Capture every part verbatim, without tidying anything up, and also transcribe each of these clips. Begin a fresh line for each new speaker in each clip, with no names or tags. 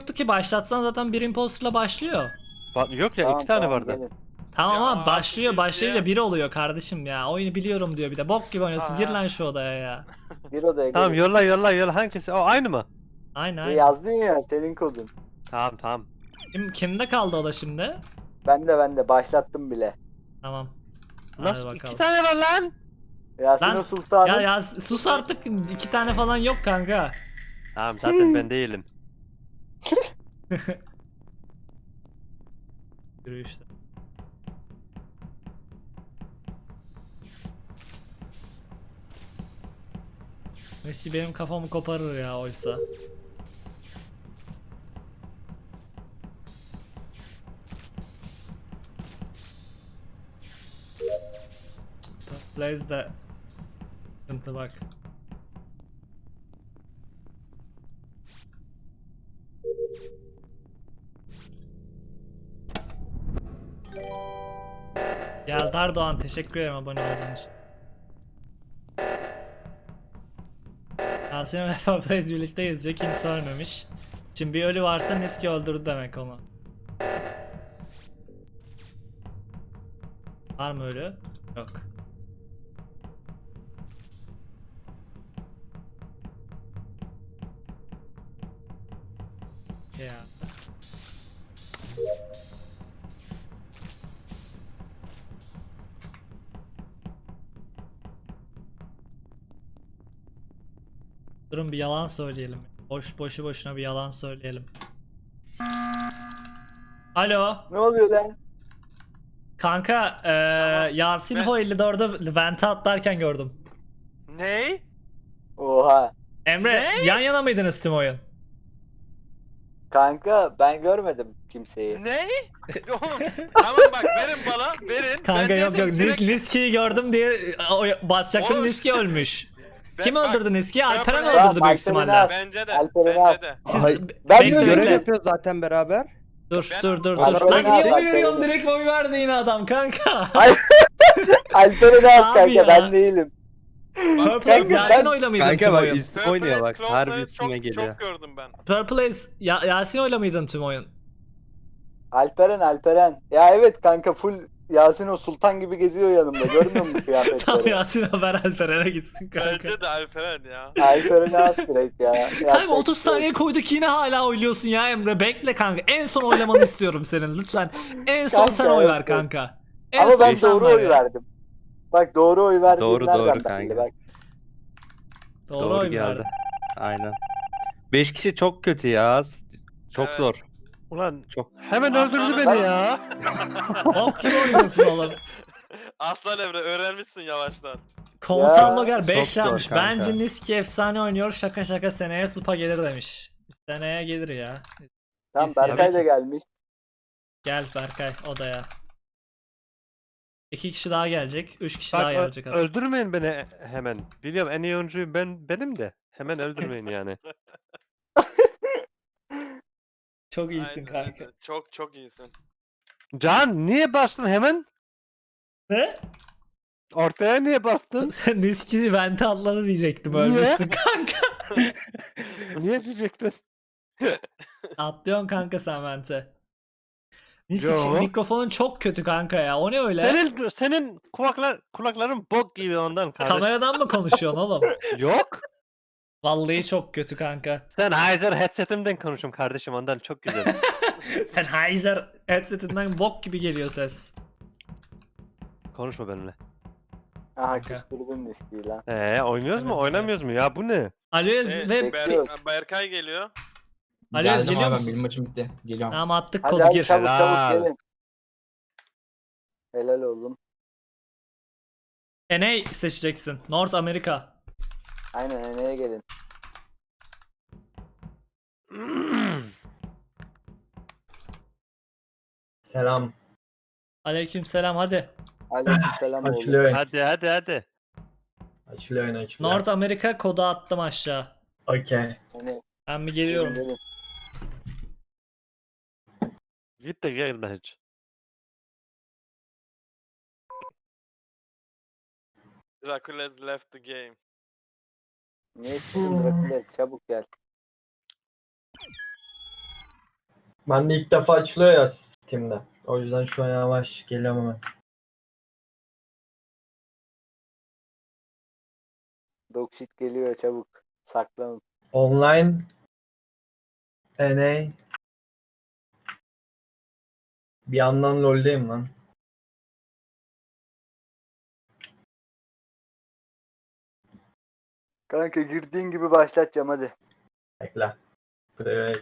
yoktu ki, başlatsan zaten bir imposterla başlıyor.
Ba- Yok ya
Tamam,
iki tane
tamam,
vardı.
gelin.
Tamam
Ya
ama başlıyor,
haksızız
başlayınca
ya.
bir oluyor kardeşim ya. Oyunu biliyorum diyor bir de. Bok gibi oynuyorsun. Gir
Aa.
lan şu odaya ya.
Bir odaya
Tamam
gelin.
yolla yolla yolla hangisi? O aynı mı?
Aynen
Ya
aynen.
yazdın ya senin kodun.
Tamam tamam.
Kim, kimde kaldı o da şimdi?
Ben de ben de başlattım bile.
Tamam.
Nasıl
Hadi
iki
bakalım.
tane var lan?
Yasin
Lan,
o Sultan'ın.
Ya ya sus artık, iki tane falan yok kanka.
Tamam zaten ben değilim.
Yürü işte. Messi benim kafamı koparır ya oysa. Blaze de sıkıntı bak. Ya Dardoğan, teşekkür ederim abone olduğun için. Yasin ve Blaze birlikte yazıyor, kimse ölmemiş. Şimdi bir ölü varsa Niski öldürdü demek onu. Var mı ölü? Yok. Ya. Durun bir yalan söyleyelim. Boş boşu boşuna bir yalan söyleyelim. Alo.
Ne oluyor lan?
Kanka eee Yasin
Ben-
Ho elli dörde vente atlarken gördüm.
Ney?
Oha.
Emre
Ne?
yan yana mıydınız tüm oyun?
Kanka ben görmedim kimseyi.
Ney? Oğlum, tamam bak verin bana verin.
Kanka
Ben
yok yok
dedim,
Nis
direkt-
Niski'yi gördüm diye o- basacaktım,
Oğlum,
Niski ölmüş.
Ben-
Kim
bak,
öldürdü Niski'yi? Alperen
ben-
öldürdü
Tamam,
büyük
Alperen'i
ihtimalle.
as.
Bence de.
Alperen'i
Bence
as.
de.
Siz
Hayır,
be-
ben
bekle,
görev
bekle.
Görev yapıyoruz zaten beraber.
Dur
Ben-
dur dur dur.
Alperen'i
Lan niye
as,
oy
Alperen'i.
veriyorsun, direkt oy verdi yine adam kanka.
Alperen'i as
Abi
kanka
ya.
ben değilim.
Purple Ace
Kanka,
Yasin
ben-
oyla mıydın
Kanka
tüm
bak
oyun?
üstüme
Purple
oynuyor
Ace
bak.
Close'ları
Harbi üstüme
çok,
geliyor.
Çok gördüm ben.
Purple Ace ya Yasin oyla mıydın tüm oyun?
Alperen Alperen. Ya evet kanka full Yasin o Sultan gibi geziyor yanımda. Görmüyor musun
Tamam
kıyafetleri?
Yasin haber Alperen'e gitsin kanka.
Bence de Alperen ya.
Alperen'i as direkt ya.
Kanka
Yapacak
otuz
bir şey yok.
saniye koyduk yine hala oyluyorsun ya Emre. Bekle kanka. En son oylamanı istiyorum senin lütfen. En son
Kanka,
sen oy ver
evet.
kanka. En
Ama
son
ben
sen
doğru
ver
oy
ya.
verdim. Bak doğru oy verdiğim
Doğru,
nereden
doğru
belli
kanka.
bak.
Doğru,
Doğru
oy
geldi.
verdin.
Aynen. beş kişi çok kötü ya. Çok
Evet.
zor.
Ulan
Çok.
hemen öldürdü
Aslanım.
beni ya.
Bok gibi oynuyorsun oğlum.
Aslan Emre öğrenmişsin yavaştan.
Komutan
Ya,
Logar beş
çok zor
yapmış.
kanka.
Bence Niski efsane oynuyor. Şaka şaka seneye Supa gelir demiş. Seneye gelir ya.
Tamam
İyisi ya.
Berkay da gelmiş.
Gel Berkay odaya. İki kişi daha gelecek. Üç kişi
Bak
daha
ö-
gelecek. adam.
öldürmeyin beni hemen. Biliyorum en iyi oyuncuyum ben benim de. Hemen öldürmeyin yani.
Çok iyisin
Aynen
kanka.
öyle. Çok çok iyisin.
Can niye bastın hemen?
Ne?
Ortaya niye bastın?
Niski vente atladı diyecektim.
Niye?
Ölmüşsün kanka.
Niye diyecektin?
Atlıyorsun kanka sen vente. Niski
Yo.
çi- mikrofonun çok kötü kanka ya. O ne öyle?
Senin senin kulaklar kulakların bok gibi ondan kardeş.
Kameradan mı konuşuyorsun oğlum?
Yok.
Vallahi çok kötü kanka.
Sen Heiser headsetimden konuşum kardeşim ondan çok güzel.
Sen Heiser headsetinden bok gibi geliyor ses.
Konuşma benimle.
Aha
Kanka.
küstürdün listeyi lan.
Ee oynuyoruz mu
Evet,
oynamıyoruz mu ya bu ne?
Aloyez
Şey,
ve
Ber-
Bekliyorum.
Berkay geliyor.
Aloyez
Geldim
geliyor
abi,
musun?
benim maçım bitti. Geliyorum.
Tamam attık
Hadi
kodu
hadi
gir.
çabuk
Helal.
çabuk gelin. Helal oğlum.
N A seçeceksin. North America.
Aynen Ene'ye gelin.
Selam.
Aleykümselam hadi.
Aleykümselam oğlum.
Açılıyor oyun.
hadi hadi hadi.
Açılıyor oyun açılıyor.
North America kodu attım aşağı.
Okey.
Ene,
Ben bir
gelin,
geliyorum.
gelin.
Git de gelme hiç.
Dracules left the game.
Niye çıktın Drakules? Çabuk gel.
Ben de ilk defa açılıyor ya Steam'de. O yüzden şu an yavaş geliyorum hemen.
Dogshit geliyor çabuk. Saklanın.
Online N A bir yandan LoL'deyim lan.
Kanka girdiğin gibi başlatacağım hadi.
Bekle. Buraya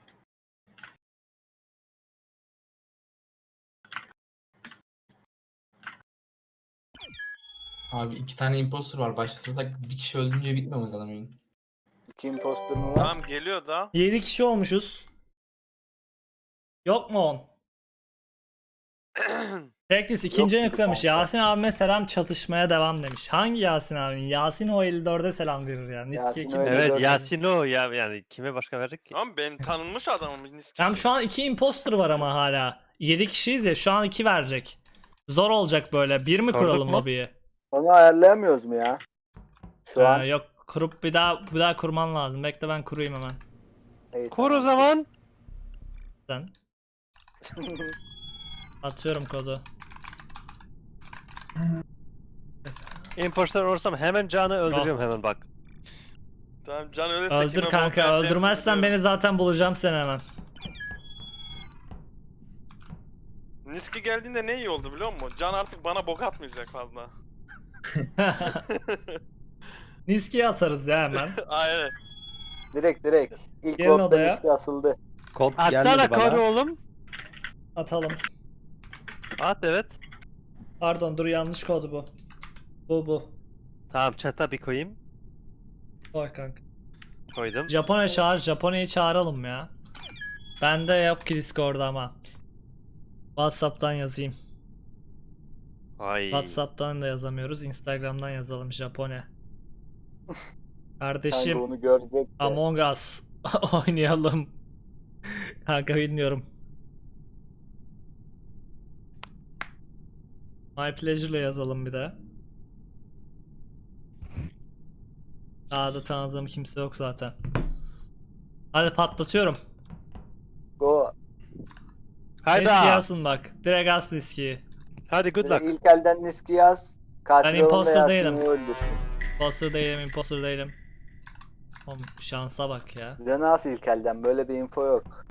Abi iki tane imposter var. Başlasak bir kişi öldürünce bitmiyor mu zaten oyun?
İki imposter mı var?
Tamam geliyor da.
yedi kişi olmuşuz. Yok mu on? Practice ikinci
Yok,
yüklemiş.
kanka.
Yasin abime selam, çatışmaya devam demiş. Hangi Yasin abinin? Yasin o elli dörde selam verir ya. Niski
Yasin
kim?
o elli
Evet
dört.
Yasin o ya yani kime başka verdik ki?
Tamam ben tanınmış adamım. Niski.
Hem şu an iki imposter var ama hala. yedi kişiyiz ya, şu an iki verecek. Zor olacak böyle. Bir mi
Sorduk
kuralım
mu?
lobiyi?
Onu ayarlayamıyoruz mu ya? Şu
Ee,
an.
yok, kurup bir daha bir daha kurman lazım. Bekle ben kurayım hemen.
İyi,
Kur o
tamam.
zaman.
Sen. Atıyorum kodu.
Imposter olursam hemen Can'ı öldürüyorum hemen bak.
Tamam can ölürse
Öldür
kime
kanka.
bok vereceğimi
Öldürmezsen
biliyorum.
beni zaten bulacağım seni hemen.
Niski geldiğinde ne iyi oldu biliyor musun? Can artık bana bok atmayacak fazla.
Niski'yi asarız ya hemen.
Aynen.
Direkt direkt. İlk
Gelin
votta
odaya.
riski asıldı.
Kod
Atsana
gelmedi
kodu
bana.
oğlum.
Atalım.
At evet.
Pardon dur, yanlış kodu bu. Bu bu.
Tamam chat'a bir koyayım.
Koy kanka.
Koydum.
Japonya çağır. Japonya'yı çağıralım ya. Bende yok ki Discord'da ama. WhatsApp'tan yazayım.
Ay.
WhatsApp'tan da yazamıyoruz. Instagram'dan yazalım Japonya.
Kanka
Kardeşim
onu görecek de.
Among Us oynayalım. Kanka bilmiyorum. My Pleasure'la yazalım bir de. Daha da tanıdığım kimse yok zaten. Hadi patlatıyorum.
Go.
Hayda.
Niski yazsın bak. Direkt as Niski'yi.
Hadi good
Direkt
luck.
ilk elden riski yaz. Katil
Ben
olan da
imposter
Yasin'i
değilim.
öldür.
Imposter değilim, imposter değilim. Oğlum şansa bak ya.
Canı as ilk elden. Böyle bir info yok.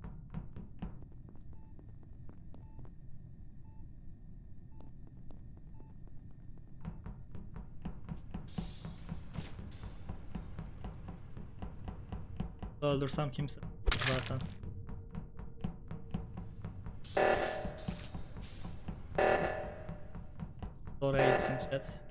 Öldürsem kimse zaten. Oraya gitsin chat.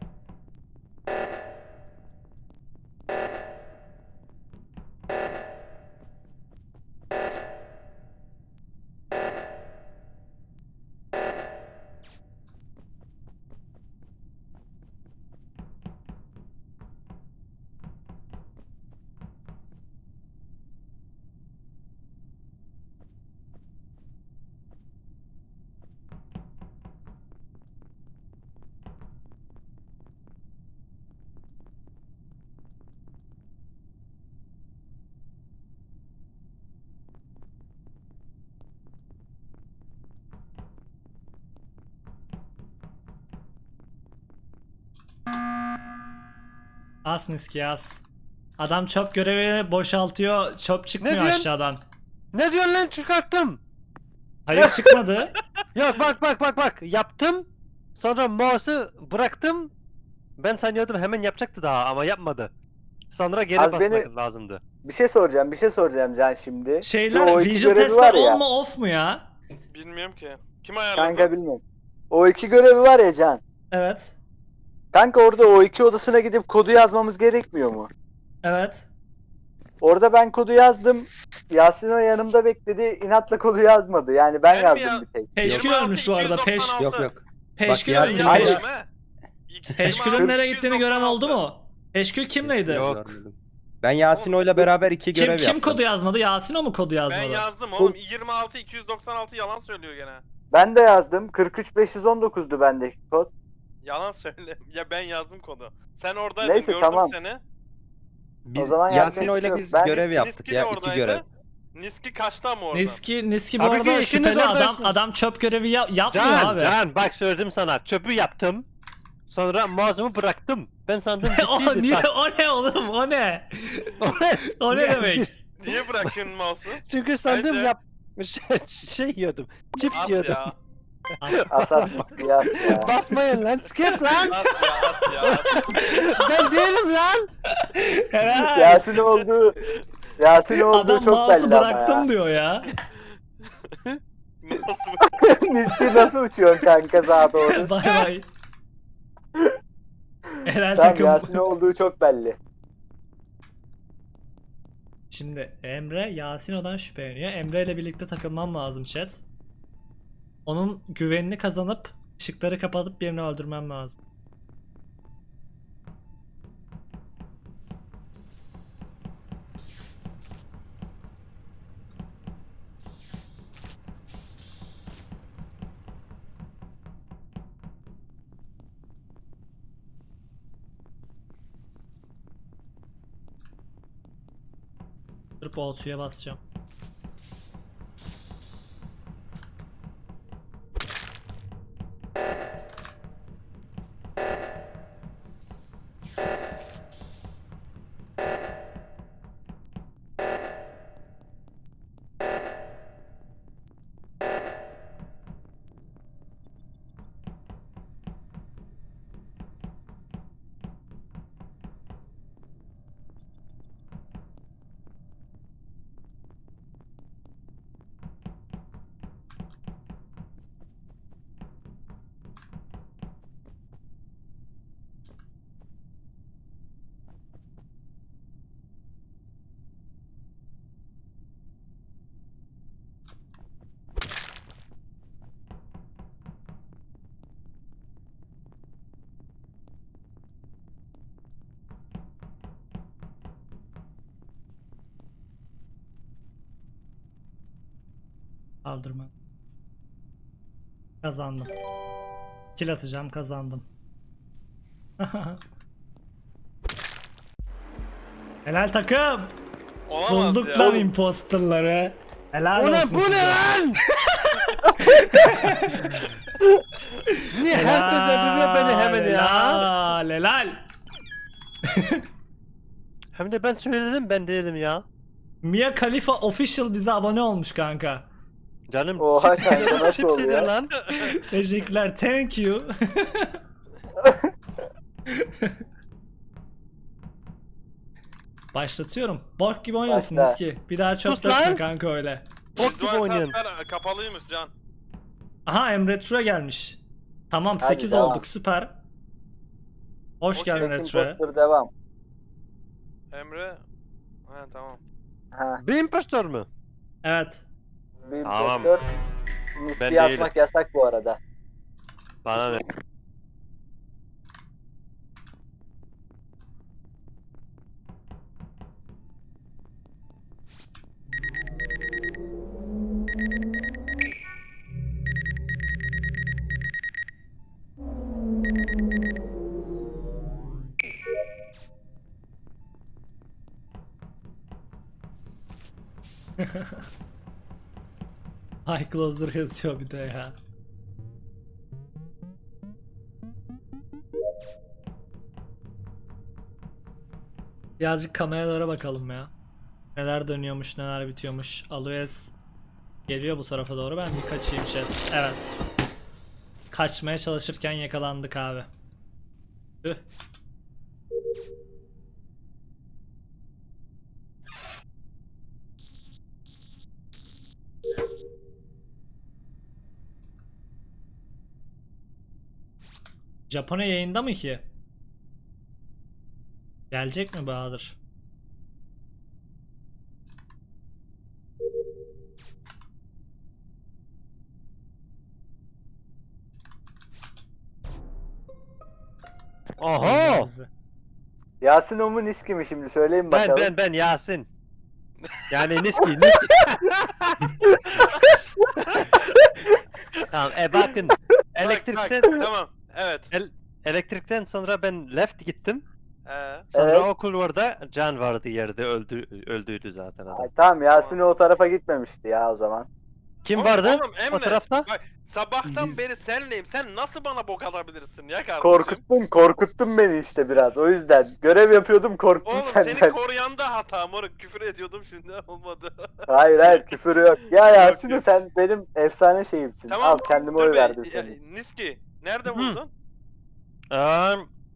As Niski as. Adam çöp görevini boşaltıyor. Çöp çıkmıyor
diyorsun?
aşağıdan.
Ne diyorsun lan çıkarttım.
Hayır çıkmadı.
Yok bak bak bak bak yaptım. Sonra mouse'u bıraktım. Ben sanıyordum hemen yapacaktı daha ama yapmadı. Sonra geri
Az
basmak
beni-
lazımdı.
Bir şey soracağım. Bir şey soracağım Can şimdi. Şu
Şeyler
o iki
visual
görevi
testler
var ya.
on mu off mu ya?
Bilmiyorum ki. Kim ayarladı?
Kanka bilmiyorum. O iki görevi var ya Can.
Evet.
Kanka orada o iki odasına gidip kodu yazmamız gerekmiyor mu?
Evet.
Orada ben kodu yazdım. Yasin o yanımda bekledi. İnatla kodu yazmadı. Yani ben,
Ben mi
yazdım
ya-
bir tek.
Peşkül
yirmi altı
ölmüş bu arada. Peş,
iki yüz doksan altı.
Yok yok.
Peşkül
Bak,
ölmüş.
Ben
ya-
Peş,
yazdım he. İki-
Peşkül'ün
yirmi altı,
nereye
iki yüz
gittiğini
doksan
gören oldu
altı.
mu? Peşkül kimleydi?
Yok.
Görmedim. Ben Yasino'yla beraber iki
Kim
görev
kim
yaptım.
kodu yazmadı? Yasin o mu kodu
Ben
yazmadı?
yazdım oğlum. yirmi altı iki yüz doksan altı yalan söylüyor gene.
Ben de yazdım. kırk üç beş yüz on dokuzdu bendeki kod.
Yalan söyle. Ya ben yazdım kodu. Sen oradaydın,
Neyse,
gördüm
tamam.
seni.
Biz
O zaman yapacak
Yasino'yla
bir şey
biz
yok. Ben-
görev yaptık
Niski de
ya iki
oradaydı.
görev.
Niski kaçtı ama oradan.
Niski, Niski bu
Tabii ki
arada
ikiniz
şüpheli adam.
oradasınız.
Adam çöp görevi ya- yapmıyor
Can,
abi.
Can bak söyledim sana. Çöpü yaptım. Sonra mouse'umu bıraktım. Ben sandım
o
bittiydi.
niye
Bak.
o ne oğlum o ne? O ne
Niye?
demek?
Niye bırakıyorsun mouse'u?
Çünkü sandım
Bence-
yap şey, şey yiyordum. Chips
At
yiyordum.
ya.
Asas Niski yaz ya.
Basmayın lan. Skip lan.
At ya at ya. At.
Ben değilim lan.
Helal.
Yasin olduğu Yasin olduğu
Adam
çok
mouse'u
belli ama
bıraktım
ya.
diyor ya.
Nasıl
Niski nasıl uçuyorsun kanka sağa doğru?
Bay bay. Helal
Tamam
takım.
Yasin olduğu çok belli.
Şimdi Emre Yasino'dan şüpheleniyor. Emre ile birlikte takılmam lazım chat. Onun güvenini kazanıp ışıkları kapatıp birini öldürmem lazım. Durup o suya basacağım. Kaldırma. Kazandım. Kill atacağım, kazandım. Helal takım.
Olamaz
Bulduk
ya.
lan imposterları. Helal
Bu ne
olsun
bu
size.
ne lan? Niye herkes öldürüyor beni hemen ya?
Helal, helal.
Hem de ben söyledim ben değilim ya.
Mia Khalifa Official bize abone olmuş kanka.
Canım
Oha
chips-
kanka, nasıl
chips
oluyor?
yedin lan.
Teşekkürler, thank you. Başlatıyorum. Bok gibi oynuyorsun
Başla.
Niski. Bir daha çok
Sus
dökme
lan.
kanka öyle.
Bok gibi
Zuhal
oynuyorsun.
Tasper kapalıymış Can.
Aha Emre Tura gelmiş. Tamam
Hadi
sekiz
devam.
olduk süper. Hoş
Okey.
geldin
Tek
Retro'ya.
imposter devam.
Emre. Ha tamam.
Ha,
Bir impostor mu?
Evet.
bir
Tamam.
imposter. Niski
Ben
yazmak yasak bu arada.
Bana ne?
High Closer yazıyor bir de ya. Birazcık kameralara bakalım ya. Neler dönüyormuş, neler bitiyormuş. Aloes geliyor bu tarafa doğru. Ben bir kaçayım chat. Evet. Kaçmaya çalışırken yakalandık abi. Tüh. Japonya yayında mı ki? Gelecek mi Bahadır?
Oho!
Yasin o mu Niski mi şimdi söyleyin
Ben
bakalım.
ben ben Yasin. Yani Niski Niski. Tamam e bakın.
Bak,
Elektrikten
bak, tamam. Evet.
elektrikten sonra ben left gittim.
Ee,
Sonra
Evet.
o kulvarda Can vardı yerde öldü öldüydü zaten adam.
Ay, tamam Yasin o tarafa gitmemişti ya o zaman.
Kim
oğlum,
vardı
Oğlum
o
Emre.
tarafta?
Bak sabahtan
Biz-
beri senleyim. Sen nasıl bana bok atabilirsin ya kardeşim?
Korkuttun, korkuttun beni işte biraz. O yüzden görev yapıyordum, korktum
Oğlum
senden.
seni koruyan da hata moruk. Küfür ediyordum şimdi olmadı.
Hayır hayır küfür yok. Ya Yasin
yok.
sen benim efsane şeyimsin.
Tamam.
Al kendime
dur
oy
be,
verdim
ya,
seni.
Niski nerede
Hı.
buldun?
Eee,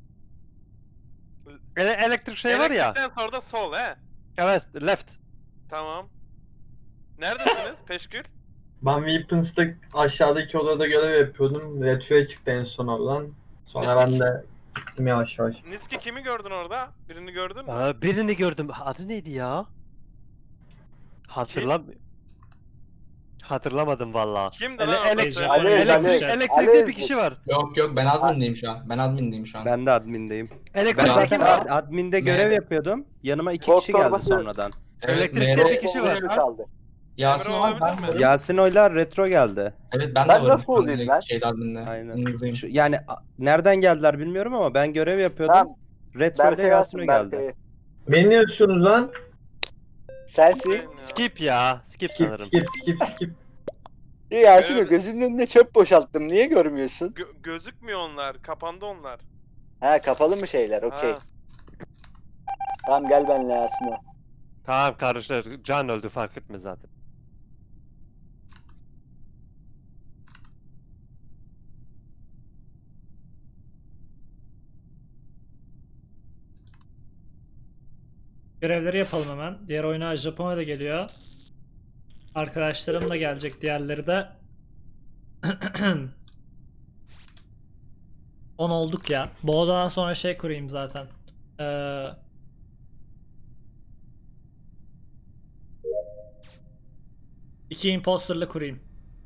ele- elektrik şey var ya.
Elektrikten sonra da sol he.
Evet, left.
Tamam. Neredesiniz Peşkül?
Ben Weapons'ta aşağıdaki odada görev yapıyordum. Retro'ya çıktı en son oradan. Sonra ben de gittim yavaş yavaş.
Niski kimi gördün orada? Birini gördün mü?
Aa, birini gördüm. Adı neydi ya? Hatırlam Hatırlamadım vallahi.
Kimdi
Ele-
lan
ele-
orada? Söyle.
Ali,
elektrik,
Ali.
elektrikte
Ali
bir kişi var.
Yok yok ben admindeyim şu an. Ben admindeyim şu an.
Ben de admindeyim. Ben
Elektrikte
Ben-
kim
zaten
var?
ad- adminde görev
Ne?
yapıyordum. Yanıma iki
Bok
kişi geldi
torbası-
sonradan.
Evet,
elektrikte
Mero-
bir kişi var.
kaldı.
Yasin
Emre
var ben
olabilir mi?
varım.
Yasin oylar retro geldi.
Evet ben,
Ben
de varım.
nasıl olayım
direkt
ben?
Şeyde adminde.
Aynen.
Yanınızdayım.
Şu, yani a- nereden geldiler bilmiyorum ama ben görev yapıyordum.
Tamam.
Retro ile
Berkay
Yasin
Yasin,
o geldi.
Berkay'ı.
Beni ne diyorsunuz lan?
Sensin.
Skip ya. Skip
Skip
sanırım.
skip skip skip.
Ya Yasin
Görev-
gözünün önünde çöp boşalttım. Niye görmüyorsun?
Gö- gözükmüyor onlar. Kapandı onlar.
Ha kapalı mı şeyler? Okey.
Ha.
Tamam gel benimle Yasin'e.
Tamam kardeşler. Can öldü fark etme zaten.
Görevleri yapalım hemen. Diğer oyuna Japonya da geliyor. Arkadaşlarım da gelecek, diğerleri de. on olduk ya. Bu odadan sonra şey kurayım zaten. Ee, iki imposterlı kurayım.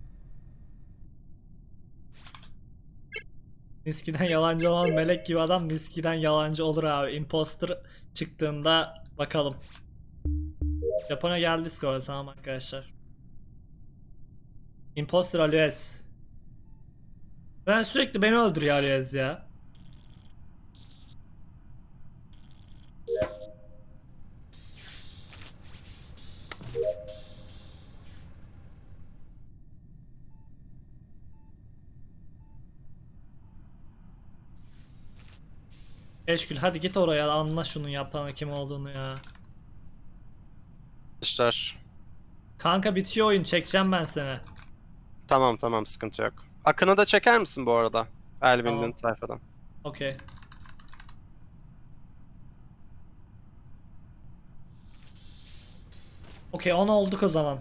Niski'den yalancı olan melek gibi adam Niski'den yalancı olur abi. Imposter çıktığında bakalım. Japonya geldi Discord'a, tamam arkadaşlar. Imposter Aloes. Ben sürekli beni öldürüyor Aloes ya. Eşkül hadi git oraya, anla şunun yapanın kim olduğunu ya.
Arkadaşlar.
Kanka bitiyor oyun, çekeceğim ben seni.
Tamam tamam sıkıntı yok. Akın'ı da çeker misin bu arada? Elvin'in
Tamam.
sayfadan.
Okey. Okey on olduk o zaman.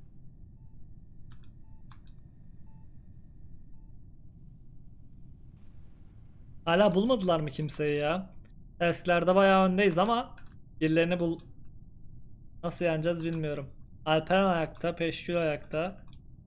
Hala bulmadılar mı kimseyi ya? Tasklerde bayağı öndeyiz ama birilerini bul... Nasıl yeneceğiz bilmiyorum. Alperen ayakta, Peşkül ayakta.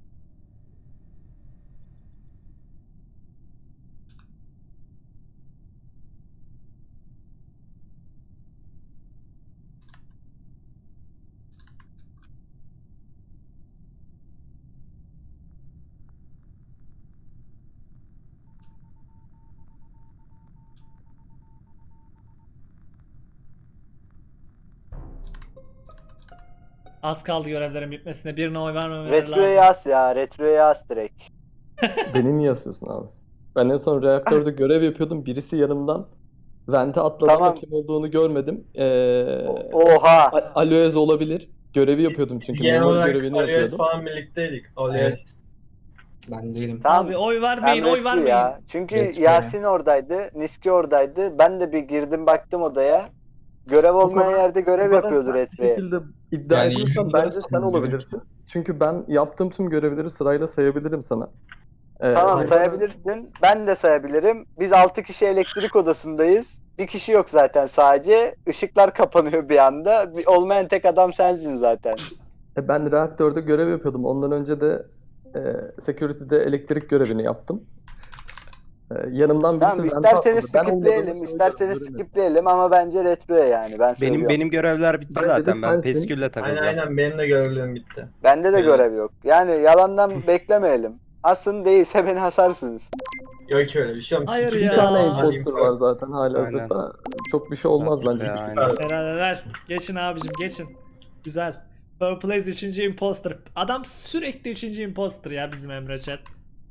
Az kaldı görevlerin bitmesine. Birine oy vermemeleri
Retroya
lazım.
yaz ya. Retroya yaz direkt.
Beni niye asıyorsun abi? Ben en son reaktörde görev yapıyordum. Birisi yanımdan vente atladı ama
Tamam.
kim olduğunu görmedim. Ee,
O- Oha.
A- Aloez olabilir. Görevi yapıyordum çünkü.
Genel
Memur
olarak
görevini
Alias
yapıyordum.
falan birlikteydik. Alias.
Evet. Ben değilim.
Tamam.
Abi oy
Ben
vermeyin, oy
Retro
vermeyin.
ya. Çünkü
Retro
Yasin oradaydı. Niski oradaydı. Ben de bir girdim baktım odaya. Görev olmayan
kadar-
yerde görev
Bu kadar
yapıyordu
sert bir
Retro'ya.
şekilde iddia
Yani
ediyorsan
yürüyüşler
bence sen
sanırım
olabilirsin. Çünkü ben yaptığım tüm görevleri sırayla sayabilirim sana. Ee,
Tamam
hani-
sayabilirsin. Ben de sayabilirim. Biz altı kişi elektrik odasındayız. Bir kişi yok zaten sadece. Işıklar kapanıyor bir anda. Bir- Olmayan tek adam sensin zaten.
E, Ben reaktörde görev yapıyordum. Ondan önce de e, security'de elektrik görevini yaptım. E, yanımdan birisi
Tamam
vente
isterseniz
atladı. Ben olmadığımı
skipleyelim.
söylüyorum,
isterseniz
göremedim.
skipleyelim ama bence Retro'ya yani. Ben
Benim
söylüyorum.
benim görevler bitti
Bence de
zaten. Ben
sensin.
Peskül'le
Aynen
takılacağım.
aynen benim de görevlerim bitti.
Bende de
Benim-
görev yok. Yani yalandan beklemeyelim. Asın değilse beni hasarsınız.
Yok öyle bir şey.
Hayır
Bir
ya.
tane
Aa.
imposter var zaten halihazırda. Çok bir şey olmaz
Bak
bence.
ya, aynen.
Helal helal. Geçin abicim geçin. Güzel. Purple Haze üçüncü imposter. Adam sürekli üçüncü imposter ya bizim Emre Chat.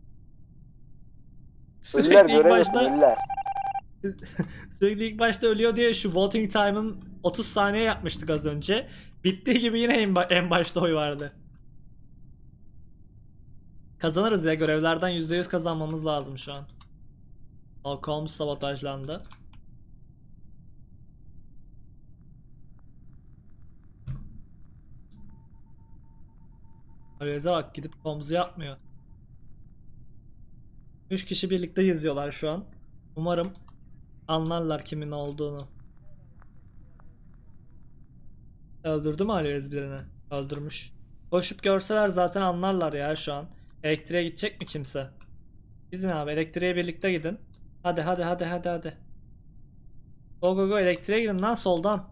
Ölüler
Sürekli ilk
görev
başta
yapın ölüler.
sürekli ilk başta ölüyor diye şu voting time'ın otuz saniye yapmıştık az önce. Bittiği gibi yine en, ba- en başta oy vardı. Kazanırız ya, görevlerden yüzde yüz kazanmamız lazım şu an. Holmes sabotajlandı. Arayüze bak, gidip komuzu yapmıyor. üç kişi birlikte yazıyorlar şu an. Umarım anlarlar kimin olduğunu. Öldürdü mü Arayüz birini? Öldürmüş. Koşup görseler zaten anlarlar ya şu an. Elektriğe gidecek mi kimse? Gidin abi, elektriğe birlikte gidin. Hadi hadi hadi hadi hadi. Go go go, elektriğe gidin lan soldan.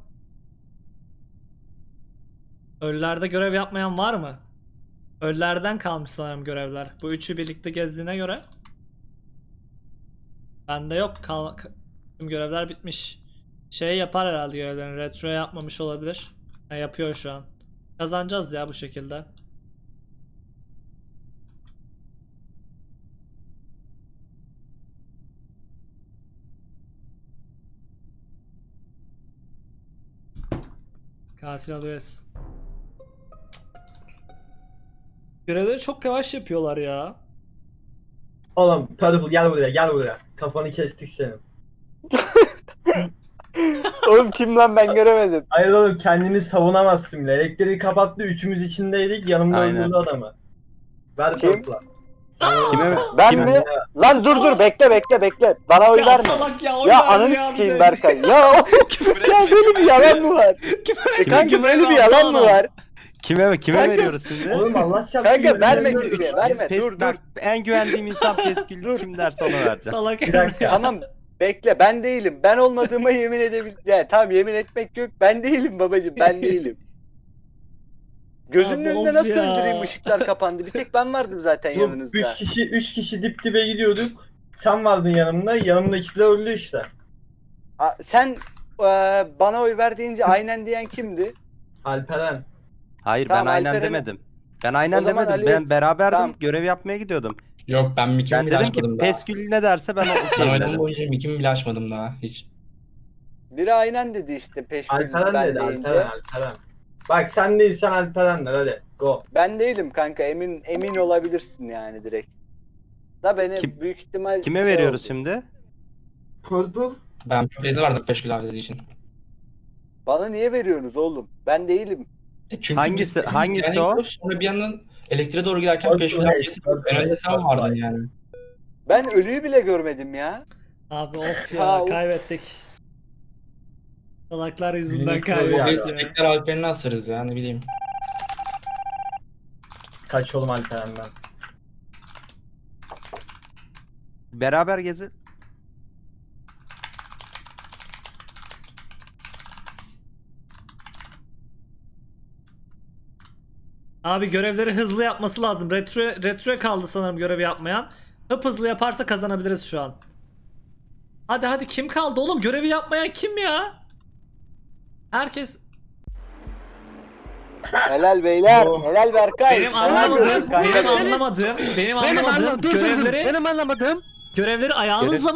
Ölülerde görev yapmayan var mı? Ölülerden kalmış sanırım görevler. Bu üçü birlikte gezdiğine göre. Bende yok. Kal tüm görevler bitmiş. Şey yapar herhalde görevlerini. Retro yapmamış olabilir. Ha, yapıyor şu an. Kazanacağız ya bu şekilde. Katil alıyoruz. Görevleri çok yavaş yapıyorlar ya.
Oğlum Purple gel buraya gel buraya. Kafanı kestik senin.
Oğlum kim lan ben göremedim.
Hayır oğlum kendini savunamazsın bile. Elektriği kapattı üçümüz içindeydik yanımda
Aynen.
öldürdü adamı. Ver
Kim?
Purple'a.
Kime
Ben
kime-
mi? Lan dur dur bekle bekle bekle. Bana oy
Ya
verme.
salak ya, oy
Ya
verdi
ananı
ya bir
sikeyim
de.
Berkay. Ya o-
Küfür
ya
etme,
böyle
küfür
bir yalan mı var?
Küfür
E
etme,
kanka
küfür
böyle bir
etme,
yalan mı
aptal
var?
Kime kime
Kanka-
veriyoruz şimdi?
Oğlum Allah çarpsın.
Kanka
yemin
verme
ediyorum.
kimseye
Biz
verme
pes-
dur dur.
bak, en güvendiğim insan Peskül kim derse ona vereceğim.
Salak
Bir dakika.
Tamam bekle ben değilim. Ben olmadığıma yemin edebilirim. Ya tamam yemin etmek yok. Ben değilim babacım ben değilim. Gözünün
Abi
önünde
of
nasıl
ya.
öldüreyim, ışıklar kapandı. Bir tek ben vardım zaten
Yok,
yanınızda.
Üç kişi, üç kişi dip dibe gidiyorduk. Sen vardın yanımda. Yanımdaki de öldü işte.
A- Sen e, bana oy ver deyince aynen diyen kimdi?
Alperen.
Hayır
Tamam,
ben aynen
Alperen'e-
demedim. Ben aynen
O zaman
demedim.
Ali-
Ben beraberdim.
Tamam.
Görev yapmaya gidiyordum.
Yok ben mikimi
Ben
bile
dedim ki
açmadım daha.
Peskül ne derse ben o
Ben
okeyim
oynamam
dedim.
boyunca mikimi bile açmadım daha hiç.
Biri aynen dedi işte peşkül
Alperen
ben
dedi
deyince.
Alperen Alperen. Bak sen değilsen Alperen de hadi go.
Ben değilim kanka, emin emin olabilirsin yani direkt. Da beni
Kim-
büyük ihtimal
Kime
şey
veriyoruz
oldu.
şimdi?
Purple.
Ben Blaze'e vardım Peşkül abi dediği için.
Bana niye veriyorsunuz oğlum? Ben değilim.
E çünkü
Hangisi-
biz-
hangisi
yani
o?
Sonra bir yandan elektriğe doğru giderken
Purple
Peşkül
Haze,
abi
Purple
en önde
Haze,
sen
Purple
vardın
Haze.
yani.
Ben ölüyü bile görmedim ya.
Abi of
Ya,
ya,
of.
kaybettik. Salaklar yüzünden
Minik
kaybettik
Biz
ya.
ya.
tekrar Alperen'i asarız ya ne bileyim.
Kaç oğlum Alperen'den.
Beraber gezin.
Abi görevleri hızlı yapması lazım. Retro retroya kaldı sanırım görevi yapmayan. Hıp hızlı yaparsa kazanabiliriz şu an. Hadi hadi, kim kaldı oğlum? Görevi yapmayan kim ya? Herkes
Helal beyler.
Oh.
Helal Berkay.
benim
Helal
anlamadığım,
gördün kanka.
benim anlamadığım, benim
Benim
anlamadığım
anlamadığım, dur dur dur.
görevleri
Benim anlamadığım
görevleri ayağınızla